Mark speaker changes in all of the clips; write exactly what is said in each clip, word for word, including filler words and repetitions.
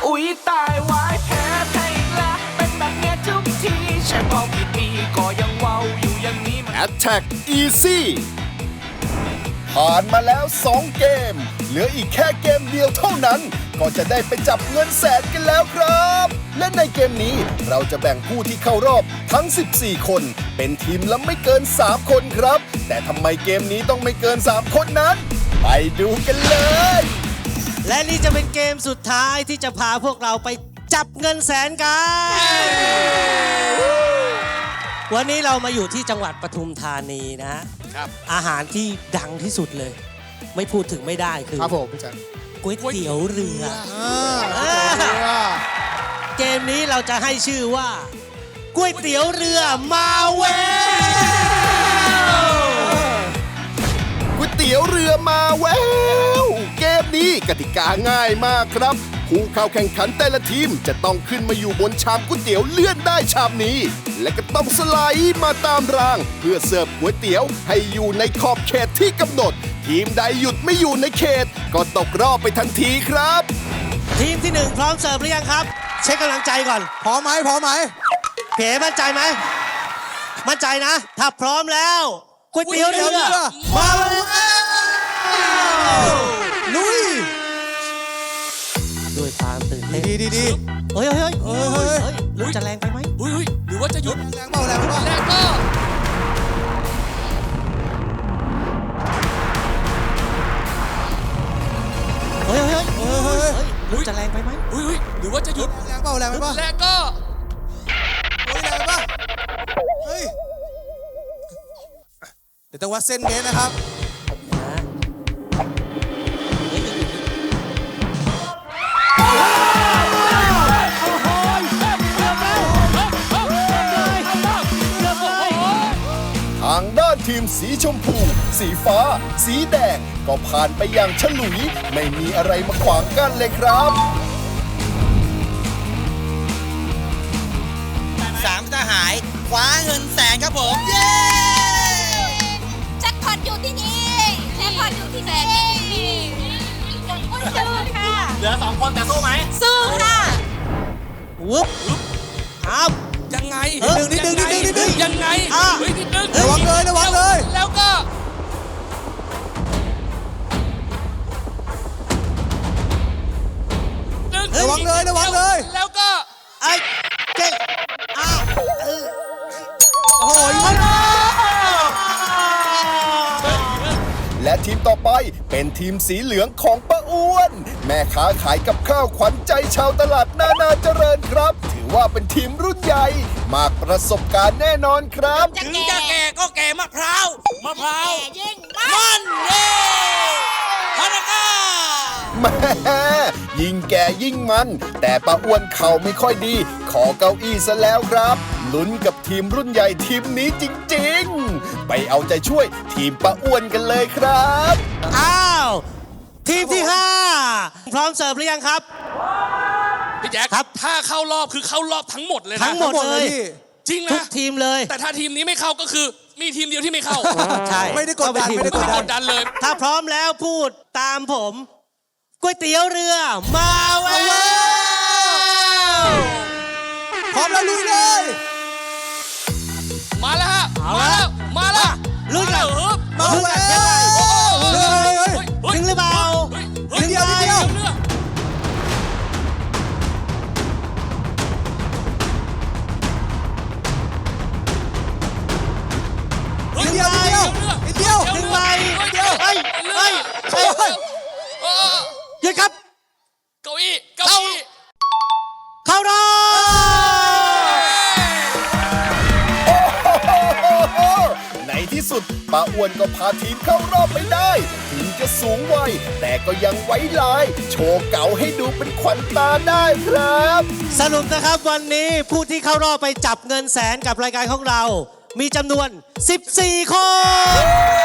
Speaker 1: อุ๊ยตายวายแพ้แพ้อีกแล้วเป็นแบบเนี้ยทุกทีใช่เป่ากี่ปีก็ยังเว้าอยู่อย่างนี้
Speaker 2: Attack Easy ผ่านมาแล้วสองเกมเหลืออีกแค่เกมเดียวเท่านั้นก็จะได้ไปจับเงินแสนกันแล้วครับและในเกมนี้เราจะแบ่งผู้ที่เข้ารอบทั้งสิบสี่คนเป็นทีมละไม่เกินสามคนครับแต่ทำไมเกมนี้ต้องไม่เกินสามคนนั้นไปดูกันเลย
Speaker 3: และนี่จะเป็นเกมสุดท้ายที่จะพาพวกเราไปจับเงินแสนกันวันนี้เรามาอยู่ที่จังหวัดปทุมธานีนะครับอาหารที่ดังที่สุดเลยไม่พูดถึงไม่ได้คือ
Speaker 4: ครับผมพี่จัน
Speaker 3: ก๋วยเตี๋ยวเรือเกมนี้เราจะให้ชื่อว่าก๋วยเตี๋ยวเรือมาแวว
Speaker 2: ก๋วยเตี๋ยวเรือมาแววเกมนี้กติกาง่ายมากครับผู้เข้าแข่งขันแต่ละทีมจะต้องขึ้นมาอยู่บนชามก๋วยเตี๋ยวเลื่อนได้ชามนี้และก็ต้องสไลด์มาตามรางเพื่อเสิร์ฟก๋วยเตี๋ยวให้อยู่ในขอบเขตที่กำหนดทีมใดหยุดไม่อยู่ในเขตก็ตกรอบไปทันทีครับ
Speaker 3: ทีมที่หนึ่งพร้อมเสิร์ฟหรือยังครับเช็คกำลังใจก่อน
Speaker 4: พร้อมไหมพร้อมไหม
Speaker 3: เก๋มั่นใจไหมมั่นใจนะถ้าพร้อมแล้วก๋วยเตี๋ยวเรือมาแล้ว
Speaker 4: ลุย
Speaker 3: ด้วยความตื่นเต้น
Speaker 4: ดีดีดี
Speaker 3: เฮ้ยเฮ้ยเฮ้ยเฮ้ยเฮ้ยหรือจะแรงไปไหม
Speaker 5: เฮ้ยหรือว่าจะหยุด
Speaker 4: แรงเบาแรงเบา
Speaker 5: แรงก็
Speaker 3: เฮ้ยเฮ้ยเฮ้ยเฮ้ยหรือจะแรงไปไหม
Speaker 5: เฮ้ยหรือว่าจะหยุด
Speaker 4: แรงเบาแรงไปป่ะ
Speaker 5: แรงก็
Speaker 4: เฮ้ยแรงไปป่ะเฮ้ยเดี๋ยวต้องวัดเส้นเมตรนะครับ
Speaker 2: ทางด้านทีมสีชมพูสีฟ้าสีแดงก็ผ่านไปอย่างฉลุยไม่มีอะไรมาขวางกั้นเลยครับ
Speaker 6: สามทหารคว้าเงินแสนครับผมเย้
Speaker 7: แจ็คพอตอยู่ที่นี่แจ็คพอตอยู่ที่นี่สู้ค่ะ
Speaker 5: เหลือสองคนแต่สู้ไหม
Speaker 7: สู้ค่ะ
Speaker 3: วุ๊บครับ
Speaker 5: ยังไง
Speaker 4: นิดนึงนิดนึงนิดนึงนิดนึง
Speaker 5: ยังไงเฮ้ยนิดนึง
Speaker 4: ระวังเลยระวังเลย
Speaker 5: แล้วก็
Speaker 4: ระวังเลยระวังเลย
Speaker 5: แล้วก็
Speaker 3: ไอ้เก่งอ้าว
Speaker 4: โอ้ย
Speaker 2: และทีมต่อไปเป็นทีมสีเหลืองของป้าอ้วนแม่ค้าขายกับข้าวขวัญใจชาวตลาดนานาเจริญครับถือว่าเป็นทีมรุ่นใหญ่มากประสบการณ์แน่นอนครับ
Speaker 6: ถึงจะแก่ก็แก่มะพร้าว
Speaker 5: มะพร้าว
Speaker 6: ยิ่งมันเย้ฮานาก้า
Speaker 2: แม่ยิ่งแก่ยิ่งมันแต่ป้าอ้วนเข่าไม่ค่อยดีขอเก้าอี้ซะแล้วครับลุ้นกับทีมรุ่นใหญ่ทีมนี้จริงๆไปเอาใจช่วยทีมป้าอ้วนกันเลยครับ
Speaker 3: อ้าวทีมที่ห้าพร้อมเสิร์ฟหรือยังครับ
Speaker 5: พี่แจ๊คครับถ้าเข้ารอบคือเข้ารอบทั้งหมดเลยนะ
Speaker 3: ทั้งหมดเลย
Speaker 5: จริงนะ
Speaker 3: ทุกทีมเลย
Speaker 5: แต่ถ้าทีมนี้ไม่เข้าก็คือมีทีมเดียวที่ไม่เข้า
Speaker 3: ใช่
Speaker 4: ไม่ได้กดดันไม่ได้
Speaker 5: กดดันเลย
Speaker 3: ถ้าพร้อมแล้วพูดตามผมก๋วยเตี๋ยวเรือมาแวว
Speaker 4: พร้อมแล้วลุยเลย
Speaker 5: มาแล้วมาแล้วมาแล้ว
Speaker 3: ลุยกัน
Speaker 4: มาแวว
Speaker 3: ถึงหรือเปล่า
Speaker 4: ถึงเดียวนิดเดียวนิดเดียวนิดเดียวนิดเดียว
Speaker 3: ถึงไปเฮ้ยเฮ้ยเฮ้ยหยุดครับ
Speaker 5: เก้าอี้เก้าอี้
Speaker 3: เข้ารอบ
Speaker 2: ในที่สุดป้าอ้วนก็พาทีมเข้ารอบไปได้ถึงจะสูงวัยแต่ก็ยังไว้ลายโชว์เก๋าให้ดูเป็นขวัญตาได้ครับ
Speaker 3: สรุปนะครับวันนี้ผู้ที่เข้ารอบไปจับเงินแสนกับรายการของเรามีจำนวนสิบสี่คน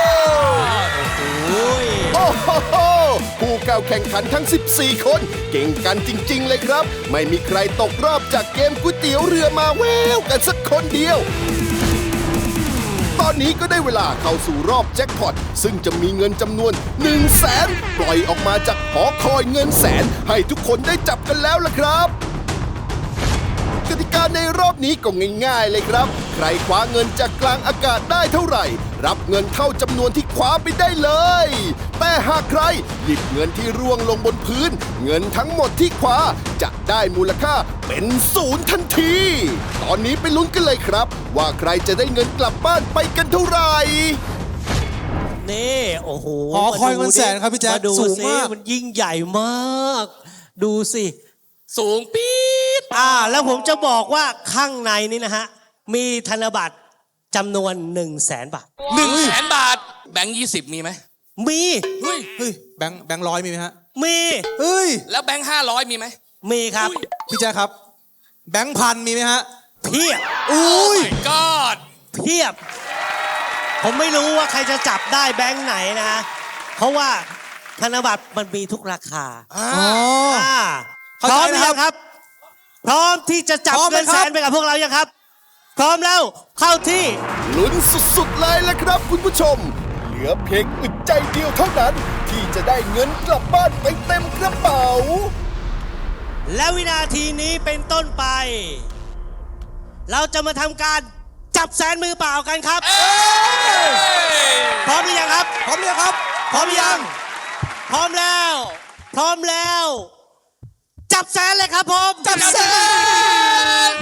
Speaker 2: โอ้โหผู้เข้าแข่งขันทั้งสิบสี่คนเก่งกันจริงๆเลยครับไม่มีใครตกรอบจากเกมก๋วยเตี๋ยวเรือมาแววกันสักคนเดียวตอนอนนี้ก็ได้เวลาเข้าสู่รอบแจ็คพอตซึ่งจะมีเงินจำนวน1นึ่งแสนปล่อยออกมาจากหอคอยเงินแสนให้ทุกคนได้จับกันแล้วล่ะครับกติกาในรอบนี้ก็ง่ายๆเลยครับใครคว้าเงินจากกลางอากาศได้เท่าไหร่รับเงินเท่าจำนวนที่คว้าไปได้เลยแต่หากใครหยิบเงินที่ร่วงลงบนพื้นเงินทั้งหมดที่คว้าจะได้มูลค่าเป็นศูนย์ทันทีตอนนี้ไปลุ้นกันเลยครับว่าใครจะได้เงินกลับบ้านไปกันเท่าไหร่
Speaker 3: นี่โอ้โห
Speaker 4: หอคอยเงินแสนครับพี่แจ๊ค
Speaker 3: มาดู
Speaker 4: สูง
Speaker 3: สิ
Speaker 4: มาก
Speaker 3: มันยิ่งใหญ่มาก ดูสิ
Speaker 5: สูงปี๊ด
Speaker 3: อ่าแล้วผมจะบอกว่าข้างในนี้นะฮะ มีธนบัตรจำนวน1นึ่งแสนบาท
Speaker 5: หนึ่งแสนบาท แบงค์ยี่สิบมีไหม
Speaker 3: มี
Speaker 5: เฮ้ย
Speaker 4: เฮ้ยแบงค์แบงค์ร้อยมีไหมฮะ
Speaker 3: มี
Speaker 4: เฮ้ย
Speaker 5: แล้วแบงค์ห้าร้อยมีไหม
Speaker 3: มีครับ
Speaker 4: พี่แจ๊คครับ แบงค์พันมีไหมฮะ
Speaker 3: เพียบ
Speaker 4: อุ้ย
Speaker 5: my god
Speaker 3: เพียบ ผมไม่รู้ว่าใครจะจับได้แบงค์ไหนนะฮะเพราะว่าธนบัตรมันมีทุกราคา
Speaker 4: อ๋อ
Speaker 3: อ่าพ
Speaker 4: เข้า
Speaker 3: ร้อ
Speaker 4: ใจ
Speaker 3: มหรือ
Speaker 4: นะครั
Speaker 3: ยั
Speaker 4: บ
Speaker 3: งครับ พร้อมที่จะจับ
Speaker 4: พร้อมไหม
Speaker 3: เงินแส
Speaker 4: ครั
Speaker 3: น
Speaker 4: บ
Speaker 3: ไปกับพวกเรายังครับ พร้อมแล้วเข้าที่
Speaker 2: ลุ้นสุดๆเลยละครับคุณผู้ชม เหลือเพียงอึดใจเดียวเท่านั้น ที่จะได้เงินกลับบ้านไปเต็มกระเป๋า
Speaker 3: และวินาทีนี้เป็นต้นไป เราจะมาทำการจับแสนมือเปล่ากันครับ พร้อมหรือยังครับ
Speaker 4: พร้อมหรือยังครับ
Speaker 3: พร้อมหรือยัง พร้อมแล้ว พร้อมแล้ว จับแสนเลยครับผม
Speaker 4: จับแสน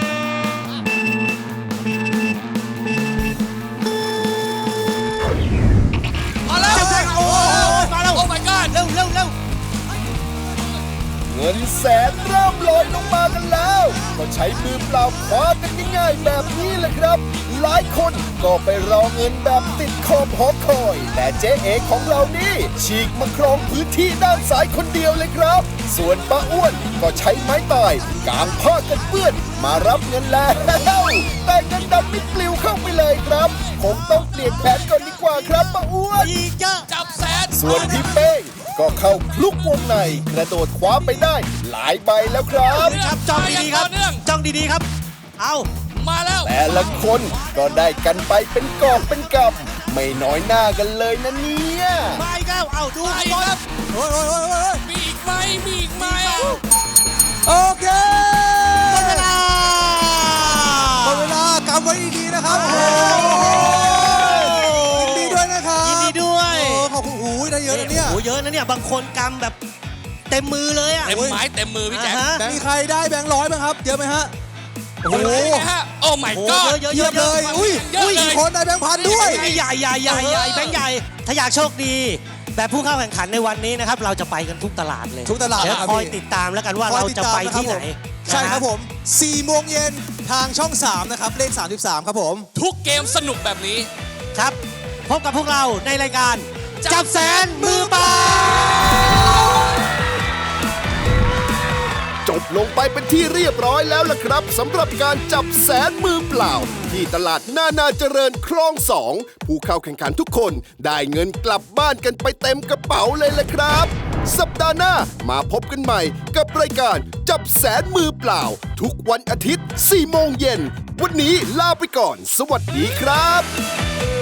Speaker 5: มาแล้ว
Speaker 3: จับแสนโอ้โหมาแล้ว
Speaker 5: โอ้ my god
Speaker 3: เร็วเร็วเร็ว
Speaker 2: เงินแสนเริ่มลอยลงมากันแล้ว ก็ใช้มือเปล่าคว้ากันง่ายๆแบบนี้แหละครับ หลายคนก็ไปรอเงินแบบติดขอบหอคอย แต่เจ๊เอ๋ของเรานี่ฉีกมาครองพื้นที่ด้านซ้ายคนเดียวเลยครับ ส่วนป้าอ้วนก็ใช้ไม้ตายกางผ้ากันเปื้อนมารับเงินแล้วแต่เงินดำไม่ปลิวเข้าไปเลยครับคงต้องเปลี่ยนแผนก่อนดีกว่าครับป้าอ้วน
Speaker 3: อีกเยอะ
Speaker 5: จับแสน
Speaker 2: ส่วนพี่เป้งก็เข้าคลุกวงในกระโดดคว้าไปได้หลายใบแล้วครับ
Speaker 3: ครับจ้องดีๆครับ
Speaker 5: ต่อเนื่อง
Speaker 3: จ้องดีๆครับ เอา
Speaker 5: มาแล้ว
Speaker 2: แต่ละคนก็ได้กันไปเป็นกองเป็นกำไม่น้อยหน้ากันเลยนะเนี่ย
Speaker 3: มาอีกแล้วเอาดู
Speaker 5: ไป
Speaker 3: ข้างบน
Speaker 5: ครับ
Speaker 4: โอ้ยโอ้ยโอ้ยโอ้ย
Speaker 5: มีอีกไหมมีอีกไหม
Speaker 4: โอเค
Speaker 3: หมดเวลา
Speaker 4: หมดเวลากำไว้ดีๆนะครับ โอ้โหยินดีด้วยนะครับ
Speaker 3: ยินดีด้วย
Speaker 4: โอ้ขอบคุณหูยได้เยอะนะเนี่ย
Speaker 3: โอ้โหเยอะนะเนี่ย บางคนกำแบบเต็มมือเลยอ่ะ
Speaker 5: เต็มไม้เต็มมือพี่แจ๊ค
Speaker 3: อ่าฮะ
Speaker 4: มีใครได้แบงค์ร้อยบ้างครับ เยอะไหมฮะ โอ้โห
Speaker 5: เป็นไงฮะโอ้ my
Speaker 3: โอ้โห
Speaker 5: god
Speaker 3: เยอะๆ
Speaker 4: เยียบเลย อุ้ย
Speaker 5: เยอะเลย
Speaker 4: มีคนได้แบงค์พันด้วย
Speaker 3: ใหญ่ใหญ่ใหญ่ใหญ่แบงค์ใหญ่ ถ้าอยากโชคดี แบบผู้เข้าแข่งขันในวันนี้นะครับ เราจะไปกันทุกตลาดเลย
Speaker 4: ทุกตลาด
Speaker 3: เดี๋ยว
Speaker 4: นะครับ
Speaker 3: คอย
Speaker 4: พี่
Speaker 3: ติดตามแล้วกันว่า
Speaker 4: คอย
Speaker 3: เรา
Speaker 4: ติด
Speaker 3: จะ
Speaker 4: ตาม
Speaker 3: ไป
Speaker 4: นะครับ
Speaker 3: ที่ไหน
Speaker 4: ผมใช่ครับผม สี่โมงเย็นทางช่องสามนะครับ เลขสามสิบสามครับผม
Speaker 5: ทุกเกมสนุกแบบนี้
Speaker 3: ครับ พบกับพวกเราในรายการ จับแสนมือเปล่า
Speaker 2: จบลงไปเป็นที่เรียบร้อยแล้วล่ะครับสำหรับการจับแสนมือเปล่า ที่ตลาดนานาเจริญคลองสองผู้เข้าแข่งขันทุกคนได้เงินกลับบ้านกันไปเต็มกระเป๋าเลยล่ะครับ สัปดาห์หน้ามาพบกันใหม่กับรายการจับแสนมือเปล่า ทุกวันอาทิตย์สี่โมงเย็นวันนี้ลาไปก่อน สวัสดีครับ